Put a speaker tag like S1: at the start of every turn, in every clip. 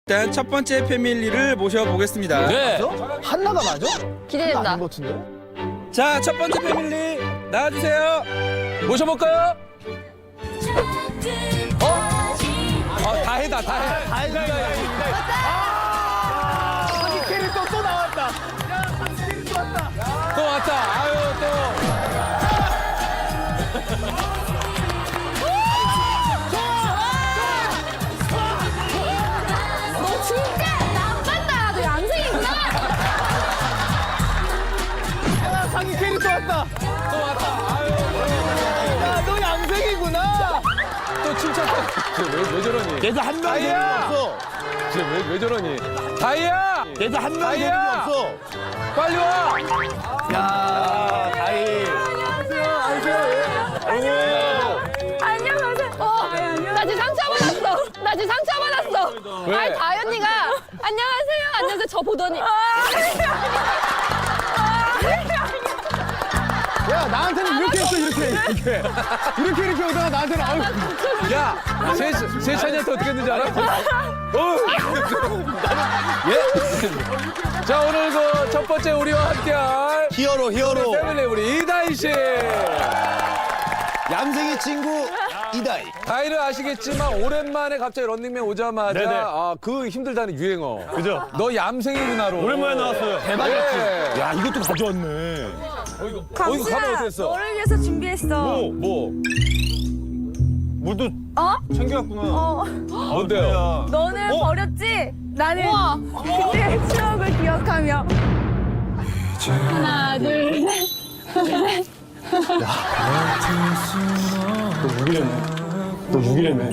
S1: 일단 첫 번째 패밀리를 모셔보겠습니다.
S2: 네.
S3: 한나가 맞아?
S4: 기대된다.
S3: 아닌 것 같은데?
S1: 자, 첫 번째 패밀리 나와주세요.
S2: 모셔볼까요? 다 해다, 다 해.
S3: 자기 캐릭터 또 나왔다. 야, 자기 캐릭터 왔다.
S2: 또 왔다. 아유, 또.
S4: 너 진짜 나빴다. 너 양생이구나.
S3: 야, 자기 캐릭터 왔다.
S2: 또 왔다. 아유.
S3: 야, 너 양생이구나.
S2: 또 칭찬. 왜 저러니?
S3: 얘도 한 명 재능이 없어.
S2: 왜 저러니? 다이야!
S3: 얘도 한 명 재능이
S2: 다이야!
S3: 없어.
S2: 빨리 와!
S3: 야, 다이.
S4: 안녕하세요. 나 지금 상처받았어. 나 지금 상처받았어.
S2: 왜?
S4: 아니 다현이가 안녕하세요. 안녕하세요. 저 보더니
S3: 야, 나한테는 이렇게 했어, 이렇게. 이렇게 오다가 나한테는 아유.
S2: 야! 세찬이한테 어떻게 했는지 알아? 예? 자, 오늘 그 첫 번째 우리와 함께할
S5: 히어로
S2: 패밀리 우리 이다희 씨.
S5: 얌생이 친구 이다희.
S2: 다희는 아시겠지만 오랜만에 갑자기 런닝맨 오자마자
S5: 네네.
S2: 그 힘들다는 유행어.
S5: 그죠?
S2: 너 얌생이구나로.
S5: 오랜만에 나왔어요.
S2: 대박이었지.
S5: 야, 이것도 가져왔네.
S2: 이거 가면 어땠어?
S6: 너를 위해서 준비했어.
S2: 뭐?
S5: 물도
S6: 어?
S5: 챙겨왔구나.
S2: 뭔데요?
S6: 너는 버렸지? 나는 그때의 추억을 기억하며.
S4: 하나 둘 셋.
S5: 너 무기래네.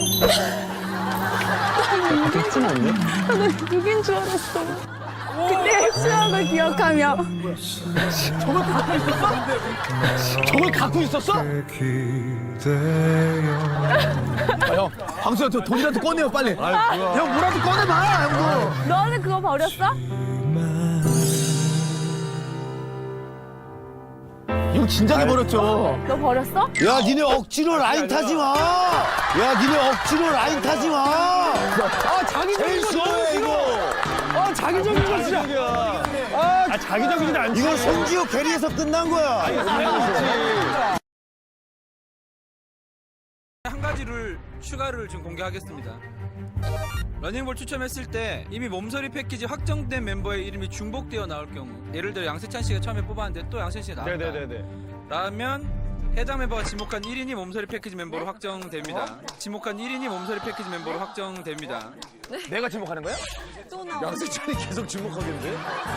S6: 누군 줄 알았어. 그때의 추억을 기억하며.
S3: 저걸 갖고 있었어? 형, 방수야, 돈이라도 꺼내요, 빨리. 형, 뭐라도 꺼내봐, 형도.
S6: 너는 그거 버렸어?
S3: 이거 진작에 버렸죠.
S6: 너 버렸어?
S5: 야, 니네 억지로 라인 타지 마. 야, 니네 억지로 라인 타지 마.
S3: 아, 자기적인 거 너무
S5: 싫어해, 이거.
S3: 아, 자기적인 거 진짜.
S5: 아, 자기적이지 않지. 이거 송지효 캐리에서 끝난 거야.
S1: 한 가지를 추가를 지금 공개하겠습니다. 러닝볼 추첨했을 때 이미 몸서리 패키지 확정된 멤버의 이름이 중복되어 나올 경우, 예를 들어 양세찬 씨가 처음에 뽑았는데 또 양세찬 씨가 나왔다.
S5: 네네네네.
S1: 라면 해당 멤버가 지목한 1인이 몸서리 패키지 멤버로 확정됩니다. 지목한 1인이 몸서리 패키지 멤버로 확정됩니다.
S3: 내가 지목하는 거야?
S5: 양세찬이 계속 주목하겠는데?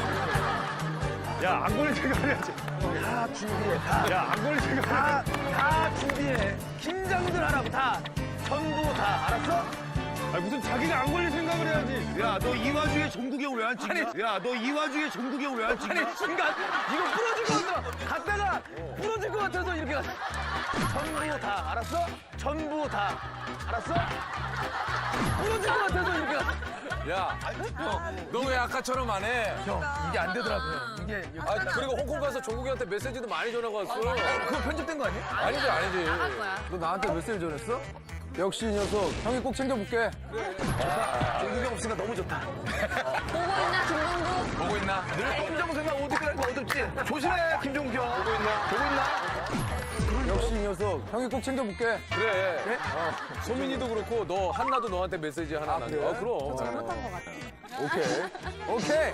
S7: 야, 안 걸릴 생각해야지. 다 준비해, 다. 야, 안 걸릴 생각. 다 준비해. 긴장들 하라고, 다. 전부 다. 알았어? 아, 무슨 자기가 안 걸릴 생각을 해야지.
S5: 야, 너 이 와중에 종국이 형 왜 안 찍냐? 야, 너 이 와중에 종국이 형 왜 안 찍냐?
S7: 아니, 순간, 이거 부러질 것 같아. 갔다가 부러질 것 같아서 이렇게 갔어. 전부 다. 알았어? 전부 다. 알았어? 부러질 것 같아서 이렇게 갔어.
S2: 야, 너 왜 아까처럼 안 해?
S3: 형, 이게 안 되더라고요. 이게.
S2: 그리고 홍콩 가서 종국이한테 메시지도 많이 전하고 왔어.
S3: 그거 편집된 거 아니야?
S2: 아니지, 아니지. 너 나한테 메시지 전했어? 역시 이 녀석, 형이 꼭 챙겨볼게.
S7: 종국이 형 없으니까 너무 좋다.
S4: 보고 있나 김동국?
S2: 보고 있나?
S7: 늘 검정색만 옷 입고 다니는 거 어둡지? 조심해, 김종규 형. 보고 있나? 보고 있나?
S2: 역시 이 녀석, 형이 꼭 챙겨볼게. 그래. 소민이도 그렇고, 너, 한나도 너한테 메시지 하나 남겨.
S3: 그래?
S2: 그럼.
S4: 잘못한 것 같아.
S2: 오케이.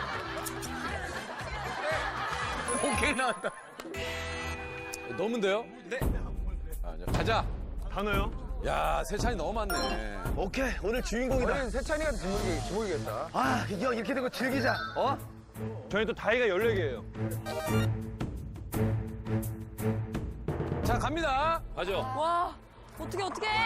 S2: 오케이 나왔다. 너무인데요? 네. 가자.
S7: 단어요?
S2: 야, 세찬이 너무 많네.
S7: 오케이, 오늘 주인공이다.
S2: 우리 세찬이가 지목이겠다.
S7: 아, 형 이렇게 된 거 즐기자. 어? 저희 또 다이가 14개예요.
S2: 자, 갑니다. 가죠.
S4: 와 어떻게?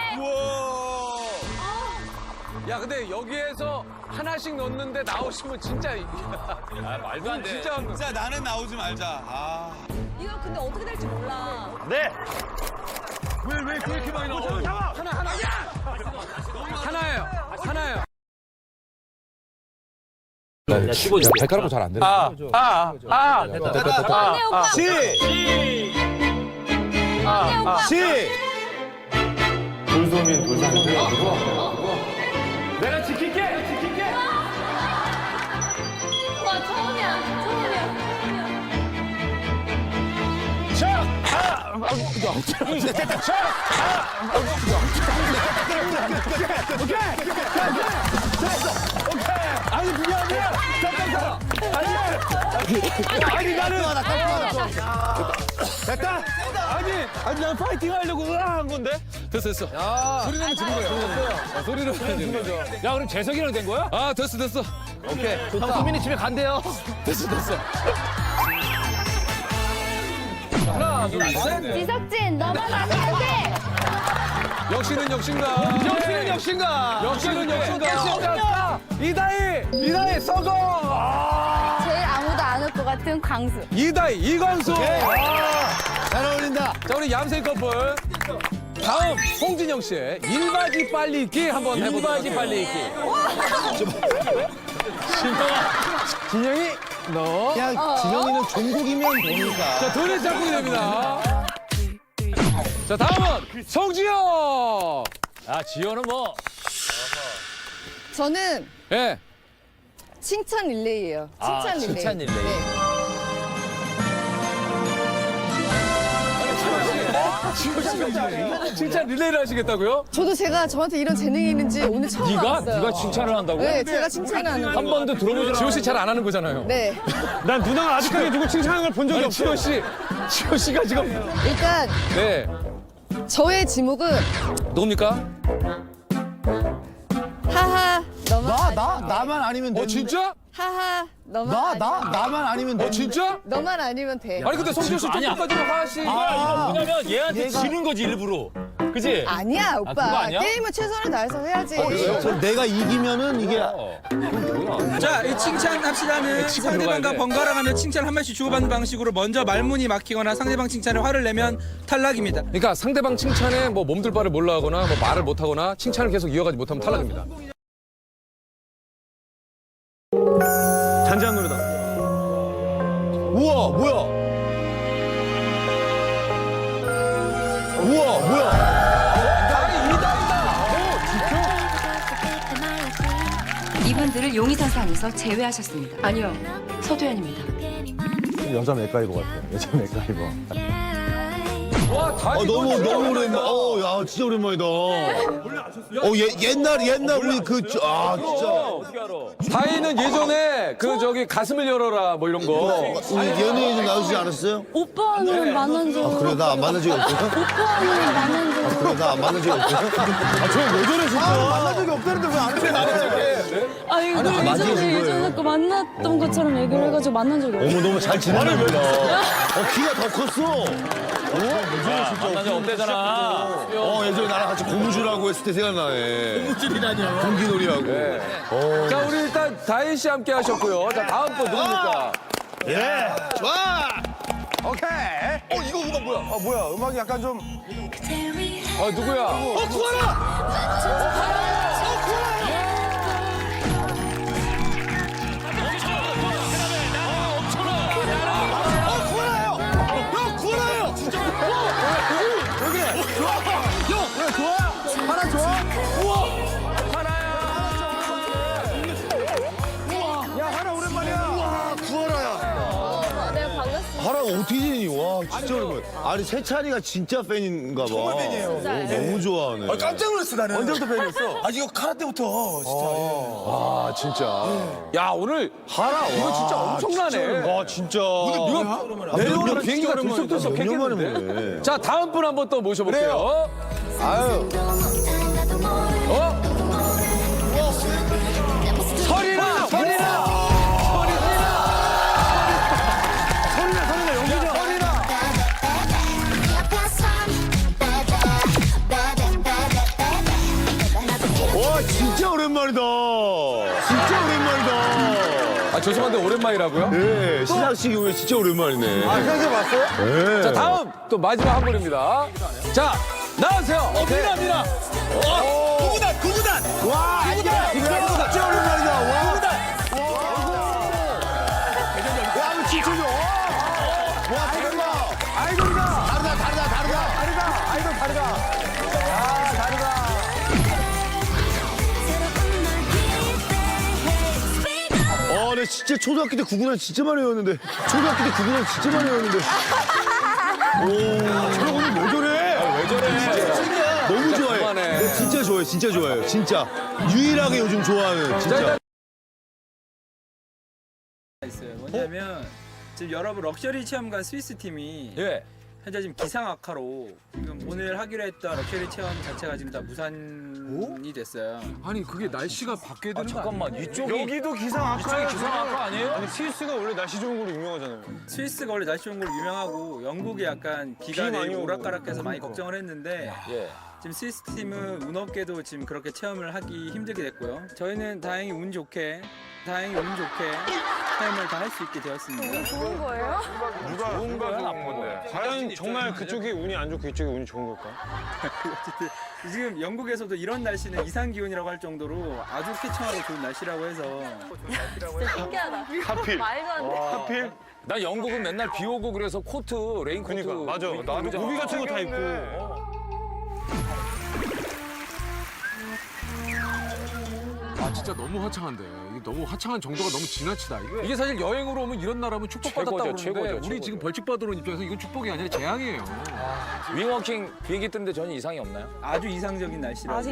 S2: 야, 근데 여기에서 하나씩 넣는데 나오시면 진짜. 말도 안 돼. 진짜
S5: 나는 나오지 말자. 아.
S4: 이거 근데 어떻게 될지 몰라.
S7: 네.
S5: 왜 그렇게 많이 나와?
S2: 하나예요.
S8: 발가락으로 잘 안 되네.
S4: 언니 오빠.
S5: 시!
S4: 언니 오빠.
S5: 시!
S7: 내가 지킬게.
S2: 아니 그게 아니라 잠깐만. 아니 나는
S7: 됐다. 아니 난 파이팅 하려고 한 건데.
S2: 됐어. 소리 내면 지는 거예요. 소리 내면 지는 거죠. 야 그럼 재석이랑 된 거야? 아 됐어. 오케이.
S3: 형 소민이 집에 간대요.
S2: 됐어. 하나 둘 셋.
S4: 지석진, 너만 아니면 안 돼.
S2: 역시는 역신가. 이다희 썩어.
S6: 제일 아무도 안 올 것 같은 광수.
S2: 이다희 이광수.
S5: 잘 어울린다.
S2: 자 우리 얌생 커플. 다음 홍진영 씨의 일바지 빨리 읽기 한번 해보도록 할게요. 빨리 읽기. 진영이 너.
S5: 야, 진영이는 종국이면 보니까.
S2: 자 둘이 짝꿍이 됩니다. 자 다음은 성지영. 아 지영은 뭐?
S6: 저는
S2: 예.
S6: 칭찬 릴레이예요. 칭찬 릴레이.
S3: 칭찬 릴레이.
S6: 네.
S2: 칭찬 릴레이를 하시겠다고요?
S6: 저도 제가 저한테 이런 재능이 있는지 오늘 처음 알았어요.
S2: 네가 칭찬을 한다고?
S6: 네, 제가 칭찬을 하는
S2: 한
S6: 거.
S2: 번도 들어보지. 지호 씨 잘 안 하는 거잖아요.
S6: 네.
S7: 난 누나가 아직까지 누구 칭찬하는 걸 본 적이 없어.
S2: 지호 씨가 지금
S6: 일단
S2: 네.
S6: 저의 지목은
S2: 누굽니까?
S6: 하하 너만
S5: 나만 아니면 돼.
S2: 진짜?
S6: 하하 너만
S5: 나만 아니면 돼.
S2: 진짜?
S6: 너만 아니면 돼.
S2: 아니 근데 성지호 씨 조금까지는 하하씨.
S7: 왜냐면 얘한테 지는 거지 일부러. 그지?
S6: 아니야 오빠.
S7: 그거 아니야?
S6: 게임은 최선을 다해서 해야지.
S5: 그럼 내가 이기면은 이게
S1: 자, 이 칭찬합시다는
S2: 치고 들어가야
S1: 상대방과
S2: 돼.
S1: 번갈아가며 칭찬 한 마디씩 주고받는 방식으로 먼저 말문이 막히거나 상대방 칭찬에 화를 내면 탈락입니다.
S2: 그러니까 상대방 칭찬에 뭐 몸둘 바를 몰라 하거나 뭐 말을 못 하거나 칭찬을 계속 이어가지 못하면 탈락입니다.
S7: 잔잔한 노래다.
S5: 우와, 뭐야?
S9: 이분들을 용의선상에서 제외하셨습니다. 아니요, 서도현입니다.
S8: 여자 맥가이버 같아. 여자 맥가이버.
S2: 와, 다행히
S5: 너무 오랜만. 야, 진짜 오랜만이다. 옛날 우리 진짜.
S2: 다희는 예전에 그 저기 가슴을 열어라 뭐 이런 거.
S5: 우리 연예인 좀 나오시지 않았어요?
S6: 오빠는 만난 적
S5: 그래, 나 안 만난 적이 없어요?
S6: 오빠는 만난 적
S5: 그래, 나 안 만난 적이 없어요? 왜 저래, 진짜? 만난 적이 없다는데 왜 안 해?
S6: 아니 근데 예전에 그 만났던 것처럼 얘기를 해가지고 만난 적이 없어요.
S5: 너무 잘 지내는 거야. 키가 더 컸어.
S7: 만난 적 없대잖아.
S5: 예전에 나랑 같이 고무줄하고 했을 때 생각나네. 고무줄이라뇨? 공기놀이하고.
S2: 자, 우리 일단 다희 씨 함께 하셨고요. 자, 다음 분 누굽니까?
S5: 좋아!
S7: 오케이.
S5: 이거 음악 뭐야?
S7: 뭐야? 음악이 약간 좀.
S2: 누구야?
S5: 구하라! 하라가 어떻게 지니? 와, 진짜 오랜만에. 아니, 세찬이가 진짜 팬인가 봐. 정말 팬이에요. 너무 좋아하네.
S7: 깜짝 놀랐어 나는. 언제부터 팬이었어? 아 이거 카라 때부터 진짜.
S2: 아, 진짜. 야, 오늘
S5: 하라,
S2: 이거 진짜 엄청나네.
S5: 와, 진짜.
S2: 이거 내려오는 비행기가 들썩들썩
S5: 몇년 만에
S2: 했겠는데?
S5: 보네.
S2: 자, 다음 분 한번 또 모셔볼게요.
S5: 아유.
S2: 설이나!
S5: 와, 진짜 오랜만이다. 진짜 오랜만이다.
S2: 아, 죄송한데 오랜만이라고요?
S5: 네, 시상식 이후에 진짜 오랜만이네. 아,
S7: 현재 봤어요?
S5: 네.
S2: 자, 다음 또 마지막 한 분입니다. 자, 나와주세요.
S7: 미나. 구구단.
S5: 와, 진짜 오랜만이다. 와. 야, 이거 진짜 좋아. 와, 대박.
S7: 아이돌이다.
S5: 다르다.
S7: 아이돌 다르다.
S5: 내 진짜 초등학교 때 구구단 진짜 많이 외웠는데. 오, 저래 오늘 왜 저래? 좋아요. 진짜 좋아요. 진짜 유일하게 요즘 좋아하는 진짜.
S1: 있어요. 뭐냐면 지금 여러분 럭셔리 체험관 스위스 팀이
S2: 예.
S1: 현재 지금 기상 악화로 지금 오늘 하기로 했던 럭셔리 체험 자체가 지금 다 무산이 됐어요.
S3: 아니 그게 날씨가 바뀌어야 되는 거
S2: 잠깐만 이쪽이
S7: 여기도 기상
S2: 이쪽이
S7: 악화.
S2: 기상 악화 아니에요?
S7: 아니 스위스가 원래 날씨 좋은 걸로 유명하잖아요.
S1: 스위스가 원래 날씨 좋은 걸로 유명하고 영국이 약간 비가
S7: 비 많이
S1: 내리고
S7: 오고.
S1: 오락가락해서 많이 걱정을 했는데
S2: 예.
S1: 지금 스위스 팀은 운 없게도 지금 그렇게 체험을 하기 힘들게 됐고요. 저희는 다행히 운 좋게 체험을 다 할 수 있게 되었습니다.
S4: 좋은 거예요?
S7: 누가 좋은 건데? 과연 정말 그쪽이 운이 안 좋고 이쪽이 운이 좋은 걸까?
S1: 어쨌든 지금 영국에서도 이런 날씨는 이상 기온이라고 할 정도로 아주 쾌청하고 좋은 날씨라고 해서
S4: 진짜 신기하다.
S7: 하필.
S4: 말도 안 돼.
S7: 하필.
S2: 나 영국은 맨날 비 오고 그래서 코트, 레인코트.
S7: 그니까 맞아. 나도 우비 같은 거 다 입고.
S3: 아 진짜 너무 화창한데 이게 너무 화창한 정도가 너무 지나치다. 이게 사실 여행으로 오면 이런 나라면 축복받았다고
S2: 최고죠,
S3: 그러는데
S2: 최고죠,
S3: 우리 지금 벌칙 받으러 온 입장에서 이건 축복이 아니라 재앙이에요.
S2: 윙워킹 비행기 뜨는데 전혀 이상이 없나요?
S1: 아주 이상적인 날씨라고.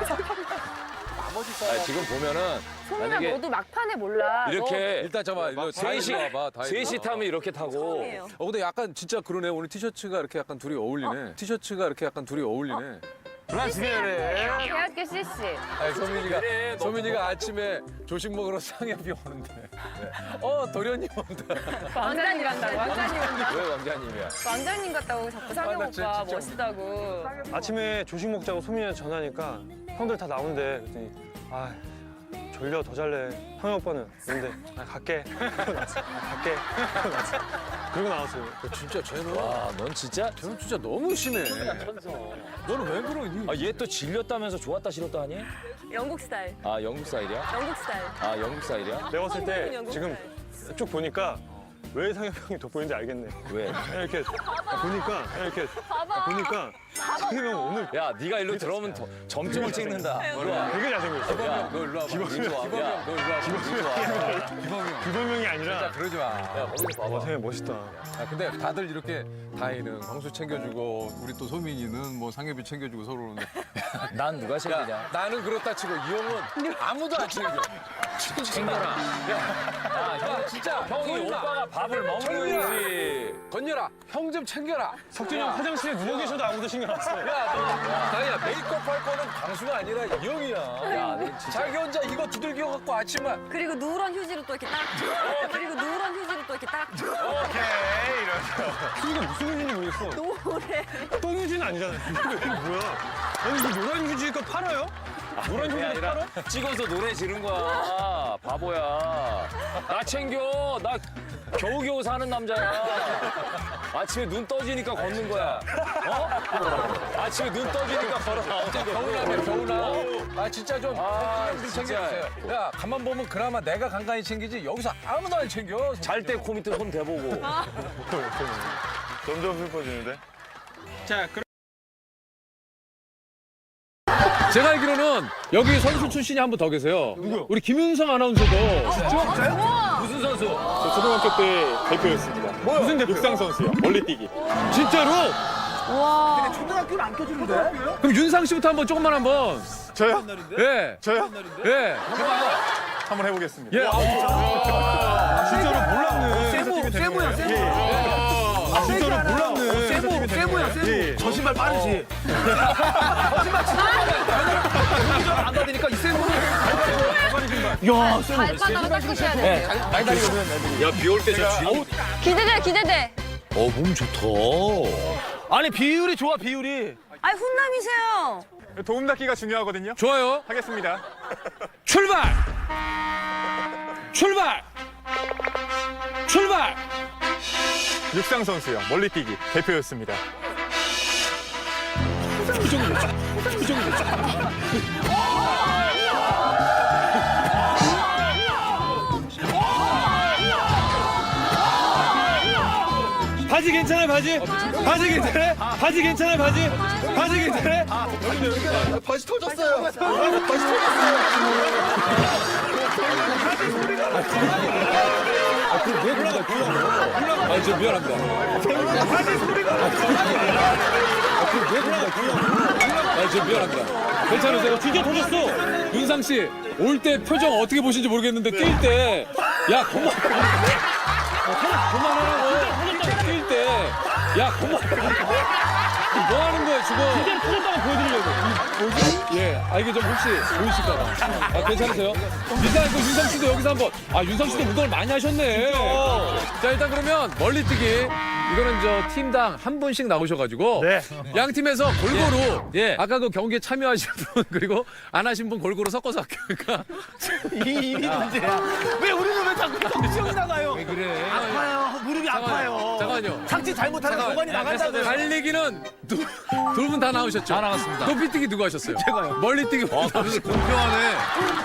S2: 지금 보면은
S4: 소민아
S2: 만약에
S4: 너도 막판에 몰라.
S2: 이렇게
S3: 일단 잠깐만
S2: 셋이 타면 이렇게 타고
S4: 처음이에요.
S3: 근데 약간 진짜 그러네. 오늘 티셔츠가 이렇게 약간 둘이 어울리네.
S7: 브라질에.
S4: 대학교 CC.
S3: 아니, 소민이가 아침에 조식 먹으러 상엽이 오는데. 도련님 온다.
S4: 왕자님 같다고. 왕자님 같다.
S2: 왜 왕자님이야?
S4: 왕자님 같다고 자꾸 상영
S3: 나 진짜
S4: 오빠 멋있다고.
S7: 아침에 조식 먹자고 소민이한테 전화하니까 형들 다 나온대. 그랬더니 아 졸려 더 잘래. 형이 오빠는 근데 갈게. 갈게. 그러고 나왔어요.
S3: 진짜 쟤는
S2: 넌 진짜?
S3: 너무 심해. 너는 왜 그러니?
S2: 얘 또 질렸다면서 좋았다 싫었다 하니?
S4: 영국 스타일.
S2: 아 영국 스타일이야?
S4: 영국 스타일.
S2: 아 영국 스타일이야?
S7: 내가 봤을 때
S4: 영국
S7: 지금 쭉 보니까 왜 상엽 형이 돋보이는지 알겠네.
S2: 왜?
S7: 이렇게 보니까 상엽 형 오늘
S2: 야 네가 일로 들어오면 점점을 찍는다. 일로 와.
S7: 되게 잘생겼어.
S2: 야, 너 일로 와봐. 일로 와. 야, 너 일로 와.
S7: 규범형이 아니라
S3: 그러지 마.
S2: 야, 거기서
S7: 와
S2: 봐봐.
S7: 상엽 멋있다.
S3: 야, 근데 다들 이렇게 다희는 광수 챙겨주고 우리 또 소민이는 뭐 상엽이 챙겨주고 서로 그러는데
S2: 난 누가 챙기냐?
S3: 나는 그렇다 치고 이 형은 아무도 안 챙겨.
S2: 챙겨라. 형 진짜 형이 오빠가 밥을 먹는 거지.
S3: 건열아, 형 좀 챙겨라.
S7: 석준이 형 화장실에 누워 계셔도 아무도 신경 안 써요.
S3: 다희야, 메이크업 할 거는 광수가 아니라 이 형이야.
S2: 야, 너 진짜.
S3: 자기 혼자 이거 두들겨 갖고 아침만.
S4: 그리고 누런 휴지로 또 이렇게 딱. 그리고 누런 휴지로 또 이렇게 딱.
S7: 휴지가 무슨 휴지인지 모르겠어.
S4: 노래.
S7: 똥휴지는 아니잖아요. 이게 뭐야? 아니 이거 노란 휴지가 팔아요? 노란
S2: 그게
S7: 휴지가 팔아?
S2: 아니라 찍어서 노래 지른 거야. 바보야. 나 챙겨. 나 겨우겨우 사는 남자야. 아침에 눈 떠지니까 걷는 거야. 어? 아침에 눈 떠지니까 걸어 나오는 거야.
S3: 겨울나. 아 진짜 좀
S2: 진짜.
S3: 챙겨주세요. 야 가만 보면 그나마 내가 간간히 챙기지 여기서 아무도 안 챙겨.
S2: 잘 때 코 밑에 손 대보고.
S7: 점점 슬퍼지는데?
S1: 자, 그럼
S3: 제가 알기로는 여기 선수 출신이 한 분 더 계세요. 누구요? 우리 김윤성 아나운서도.
S2: 무슨 선수?
S10: 초등학교 때 대표였습니다.
S7: 무슨 대표?
S10: 육상 선수요. 멀리뛰기.
S3: 진짜로?
S6: 와.
S3: 그럼 윤상 씨부터 한번 조금만 한번.
S10: 저요?
S3: 예.
S10: 저요?
S3: 예.
S10: 한번 해보겠습니다.
S3: 예.
S7: 진짜로 몰랐네.
S3: 세모야.
S7: 진짜로 몰랐네.
S3: 세모야.
S10: 예.
S3: 저 신발 빠르지. 안 받으니까 이 세모는. 야, 세모.
S4: 발바닥을 닦으셔야 돼.
S3: 많이 다니거든.
S2: 야, 비 올 때 저 쥐.
S4: 기대돼, 기대돼.
S5: 몸 좋다.
S3: 아니 비율이 좋아 비율이.
S4: 아, 훈남이세요.
S10: 도움 닫기가 중요하거든요.
S3: 좋아요.
S10: 하겠습니다.
S3: 출발.
S10: 육상 선수요. 멀리뛰기 대표였습니다.
S7: 바지 괜찮아 바지? 바지 괜찮아? 바지 괜찮아 바지? 바지 괜찮아?
S5: 바지 터졌어요.
S3: 아, 저 미안합니다. 아, 저 미안합니다. 괜찮으세요? 진짜 터졌어. 윤상 씨, 올 때 표정 어떻게 보신지 모르겠는데 뛸 때, 야 그만하라고. 뛸 때, 야 뭐 하는 거야 지금? 진짜 터졌다고 보여드리려고. 예, 이게 좀 혹시 보이실까봐. 괜찮으세요? 일단 그 윤상 씨도 여기서 한번. 윤상 씨도 운동을 많이 하셨네. 자, 일단 그러면 멀리뛰기. 이거는 저 팀당 한 분씩 나오셔가지고 양 팀에서 골고루 아까 그 경기에 참여하신 분 그리고 안 하신 분 골고루 섞어서 할게요. 그러니까
S7: 이 문제야. 왜 우리는 왜 자꾸 시험이 나가요?
S3: 왜 그래?
S7: 아파요. 무릎이 아파요.
S3: 잠깐만요.
S7: 착지 잘못하면 고관이 나간다고요.
S3: 달리기는 두 분 다 나오셨죠? 다 나갔습니다. 높이뛰기 누가 하셨어요?
S7: 제가요.
S3: 멀리뛰기 공평하네.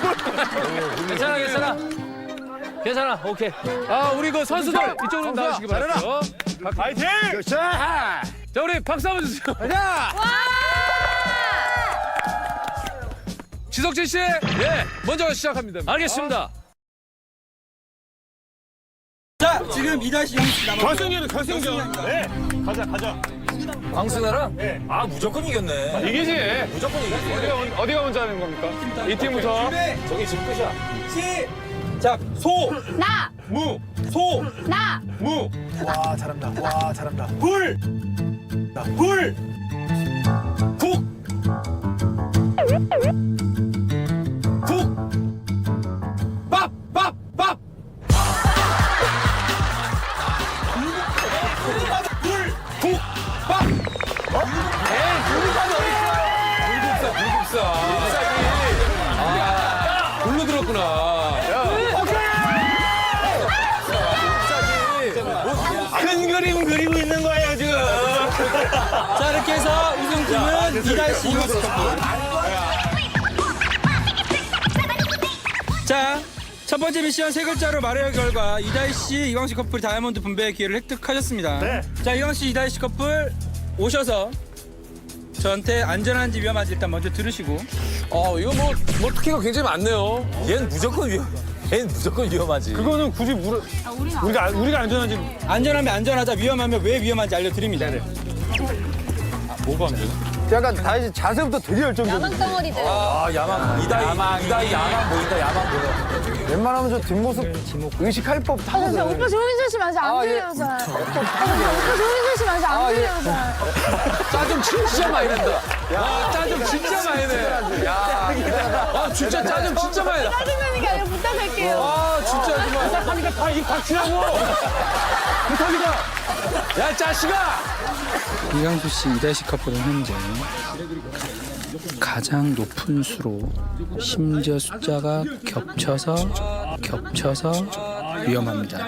S2: 괜찮아. 오케이.
S3: 우리 그 선수들 이쪽으로 나오시기 바랍니다.
S7: 파이팅!
S3: 자, 우리 박수 한번 주세요. 가자! 지석진 씨, 먼저 시작합니다.
S2: 알겠습니다.
S1: 자, 지금 2-0씩 남았고.
S7: 결승전. 네. 가자.
S2: 광순아랑? 아, 무조건 이겼네.
S10: 이기지.
S2: 무조건 이겼지.
S10: 어디가 먼저 하는 겁니까? 이 팀부터.
S2: 저기 지금 끝이야.
S1: 자, 소,
S4: 나!
S1: 무, 소,
S4: 나!
S1: 무,
S7: 와, 잘한다.
S1: 불, 불, 국, 밥. 불, 국, 밥.
S3: 골로 들었구나.
S1: 큰 그림 그리고 있는 거예요, 지금. 자, 이렇게 해서 우승팀은 2-2 이광식 커플. 자, 첫 번째 미션 세 글자로 말해야 결과 2-2 이광식 커플 다이아몬드 분배의 기회를 획득하셨습니다.
S7: 네.
S1: 자, 이광식 2-2 커플 오셔서 저한테 안전한지 위험한지 일단 먼저 들으시고.
S3: 이거 뭐 특기가 굉장히 많네요.
S2: 얘는 무조건 위험하지.
S7: 그거는 굳이 우리가 안전한지.
S1: 안전하면 안전하자, 위험하면 왜 위험한지 알려드립니다.
S5: 약간 다시 자세부터 되게 열정적이야.
S4: 야망 덩어리들.
S2: 야망. 이다이 야망 보인다. 야망 보여.
S5: 웬만하면 저 뒷모습 의식할 법
S6: 아, 근데
S5: 하거든.
S6: 오빠 조용히 좀 하시면 안 들려요, 잘. 오빠 조용히 좀 하시면 안 들려요, 잘.
S3: 짜 좀 진짜 많이 낸다. 야, 짜 좀 진짜 많이 내. 야, 진짜 짜 좀 진짜 많이 내.
S6: 짜증나는 게 아니라 부탁할게요.
S3: 진짜 정말.
S7: 부탁하니까 다 입 닥치라고. 부탁이다.
S3: 야, 짜식아!
S1: 이광수 씨 2-10 커플은 현재 가장 높은 수로 심지어 숫자가 겹쳐서 위험합니다.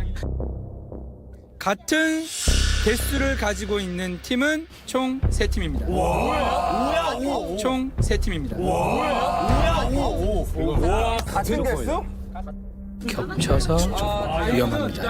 S1: 같은 개수를 가지고 있는 팀은 총 3팀입니다. 총 3팀입니다.
S5: 같은 개수?
S1: 겹쳐서 위험합니다.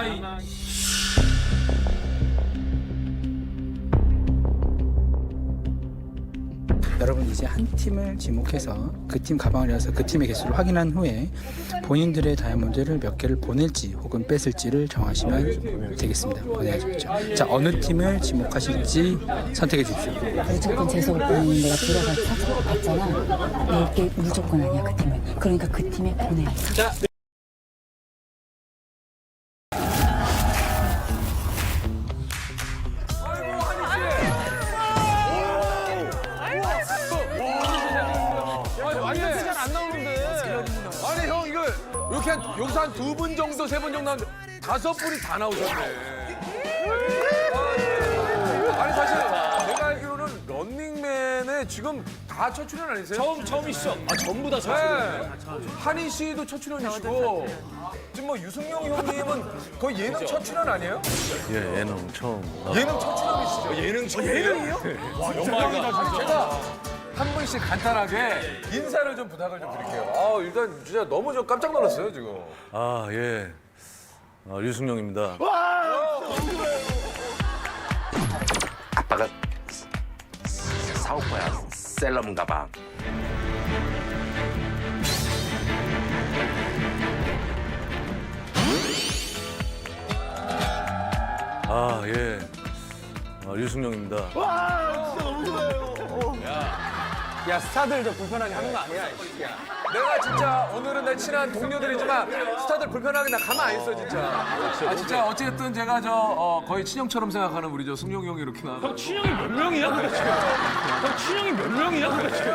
S1: 여러분 이제 한 팀을 지목해서 그 팀 가방을 열어서 그 팀의 개수를 확인한 후에 본인들의 다이아몬드를 몇 개를 보낼지 혹은 뺏을지를 정하시면 되겠습니다. 보내야죠. 자, 어느 팀을 지목하실지 선택해 주십시오.
S9: 무조건 재수 오빠는 내가 들어가서 봤잖아. 이게 무조건 아니야, 그 팀은. 그러니까 그 팀에 보내.
S1: 자,
S3: 완전 잘안 나오는데. 아니, 형, 이거 이렇게 여기서 한 2분 정도, 3분 정도 나오는데 5분이 다 나오셨네. 아니, 사실 내가 알기로는 런닝맨에 지금 다 첫 출연 아니세요?
S2: 처음이시죠? 전부 다
S3: 네. 한희 씨도 첫 출연이시고 지금 뭐 유승용 형님은 거의 예능 첫 출연 아니에요?
S5: 예, 예능 처음.
S3: 예능 첫 출연이시죠? 예능이요? 와, 영광이다, 진짜. 제가 한 분씩 간단하게 인사를 좀 부탁을 좀 드릴게요. 일단 진짜 너무 좀 깜짝 놀랐어요, 지금.
S5: 예. 유승용입니다.
S11: 아빠가 사올 거야. 셀럽 가방.
S5: 유승용입니다.
S7: 와, 진짜 너무 좋아요.
S10: 야, 스타들 좀 불편하게 하는 거 아니야, 이 새끼야. 내가 진짜 오늘은 내 친한 동료들이지만 스타들 불편하게 나 가만 안 있어, 진짜. 아, 진짜 어쨌든 제가 거의 친형처럼 생각하는 우리 승용이 형이 이렇게 나.
S7: 형 친형이 몇 명이야 도대체? 형 친형이 몇 명이야 도대체?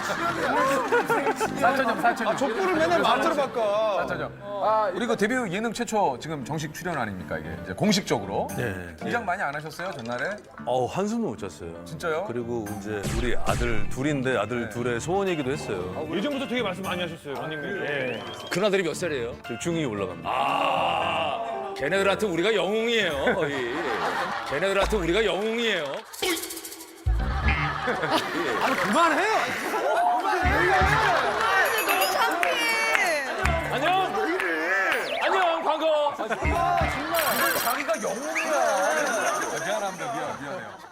S10: 사천형.
S7: 족구를 맨날 마트로 바꿔.
S10: 사천형. 우리 그 데뷔 예능 최초 지금 정식 출연 아닙니까, 이게 이제 공식적으로.
S5: 네.
S10: 긴장 많이 안 하셨어요, 전날에?
S5: 한숨을 못 잤어요.
S10: 진짜요?
S5: 그리고 이제 우리 아들 둘인데 아들 둘의 소원이기도 했어요.
S7: 예전부터 되게 말씀 많이 하셨어요, 런닝맨. 예.
S2: 그나들이 몇 살이에요?
S5: 중2 올라갑니다.
S2: 아, 걔네들한테 우리가 영웅이에요, 거의. 걔네들한테 우리가 영웅이에요.
S10: 그만해!
S2: 안녕! 안녕, 광고!
S10: 자기가 영웅이야. 미안합니다, 미안해요.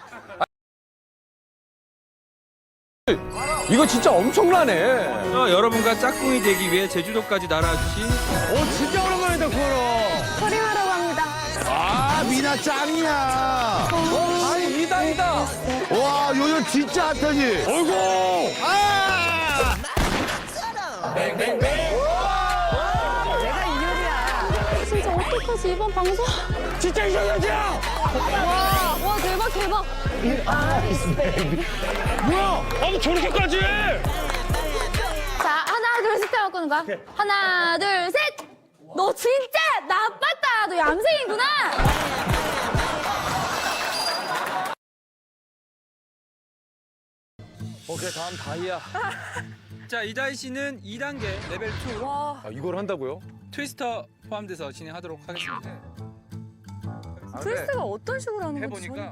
S10: 이거 진짜 엄청나네.
S3: 여러분과 짝꿍이 되기 위해 제주도까지 날아주신
S7: 진짜 오랜만이다, 구하러.
S6: 서림하라고 합니다.
S5: 아, 미나 짱이야.
S10: 아니, 이단이다.
S5: 와, 요즘 진짜 핫하지?
S10: 어이구!
S6: 진짜 어떡하지, 이번 방송?
S7: 진짜 이상하지야!
S6: 와, 대박.
S7: 뭐야? 아니, 저렇게까지 해!
S6: 자, 하나, 둘, 셋 하고 끄는 거야. 하나, 둘, 셋! 너 진짜 나빴다. 너 얌생이구나.
S2: 오케이, 다음 다이아.
S3: 자, 이다희 씨는 2단계 레벨 2
S2: 아, 이걸 한다고요?
S3: 트위스터 포함돼서 진행하도록 하겠습니다.
S6: 트위스트가 어떤 식으로 하는 거지?
S3: 해보니까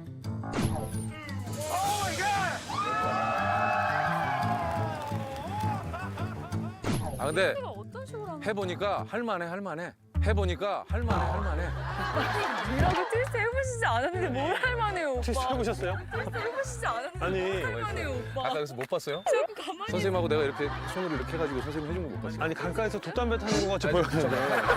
S10: 아, 근데
S6: 트위스트가 어떤 식으로 하는
S10: 해보니까 할만해. 해보니까 할만해.
S4: 이라고 트위스트 해보시지 않았는데 뭘 할만해요, 오빠.
S7: 트위스트 해보셨어요?
S4: 트위스트 해보시지 않았는데
S7: 아니.
S4: 뭘 할만해요, 오빠.
S10: 아까 그래서 못 봤어요?
S4: 좀 가만히
S10: 선생님하고 내가 이렇게 손으로 이렇게 해가지고 선생님 해준 거 못 봤어요?
S7: 아니, 강가에서 돛담배 타는 거 같이 보였는데.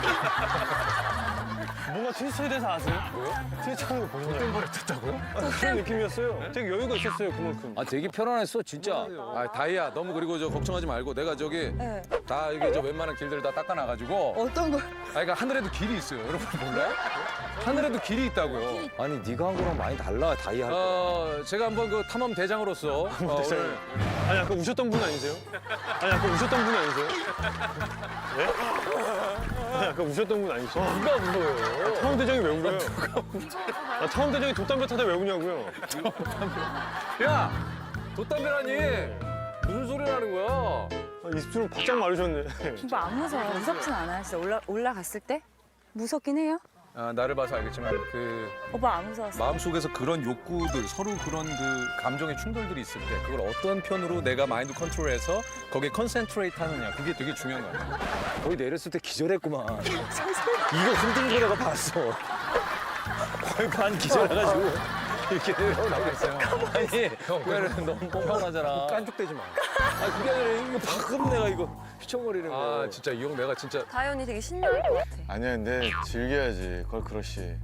S7: 뭔가 트위스트에 대해서 아세요? 왜요? 트위스트 하는 거 보셨나요? 돛담배를 탔다고요? 그런 느낌이었어요. 되게 여유가 있었어요, 그만큼.
S2: 아, 되게 편안했어, 진짜.
S10: 아, 다이야, 너무 그리고 걱정하지 말고 내가 다 이게 웬만한 길들 다 닦아놔가지고.
S4: 어떤 걸?
S10: 그러니까 하늘에도 길이 있어요. 여러분 몰라요? 하늘에도 길이 있다고요.
S2: 아니, 네가 한 거랑 많이 달라, 다이아 할 때.
S10: 제가 한번 그 탐험 대장으로서 오늘
S7: 아니, 아까 우셨던 분 아니세요? 아니, 아까 우셨던 분 아니세요? 예? 아니, 아까 우셨던 분 아니세요?
S10: 누가 무서워요?
S7: 탐험대장이 왜 울어요? 탐험대장이 돛담배 타다 왜 우냐고요?
S10: 야, 돛담배라니 무슨 소리 하는 거야?
S7: 20초로 바짝 마르셨네.
S9: 오빠 안 무서워. 무섭진 않아요. 진짜 올라갔을 때? 무섭긴 해요?
S10: 나를 봐서 알겠지만 그
S9: 오빠 안 무서웠어.
S10: 마음속에서 그런 욕구들, 서로 그런 그 감정의 충돌들이 있을 때 그걸 어떤 편으로 내가 마인드 컨트롤해서 거기에 컨센트레이트 하느냐, 그게 되게 중요한 거야.
S2: 거의 내렸을 때 기절했구만. 이거 흔들고 내가 봤어. 거의 반 기절해가지고. 이렇게 내려오라고. 아니, 형, 너무 뻔뻔하잖아.
S10: 깐죽대지 마.
S2: 아, 그게 아니라 이거 방금 내가 이거 휘청거리는 거.
S10: 아, 진짜 이 형 내가 진짜
S4: 다현이 되게 신나할 것 같아.
S5: 아니야, 근데 즐겨야지. 걸 크러쉬.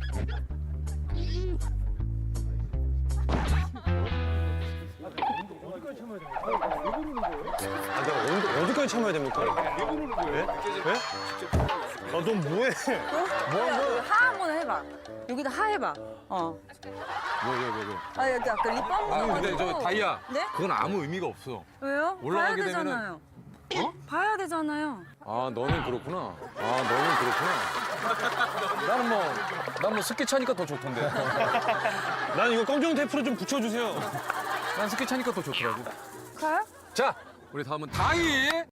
S7: 아, 내가 어디까지 참아야 됩니까? 예? 예? 아, 넌 뭐해?
S4: 하 한번 해봐. 여기다 하 해봐.
S10: 왜?
S4: 아, 여기 아까 립밤
S10: 아니 근데 저
S4: 묻어가지고.
S10: 다이아,
S4: 네?
S10: 그건 아무 의미가 없어.
S4: 왜요?
S10: 올라가게
S4: 봐야
S10: 되면은-
S4: 되잖아요. 봐야 되잖아요.
S10: 아, 너는 그렇구나. 난 뭐 스키 차니까 더 좋던데.
S7: 난 이거 검정 테이프로 좀 붙여주세요.
S10: 난 스키 차니까 더 좋더라고.
S4: 가요?
S10: 자, 우리 다음은 다이.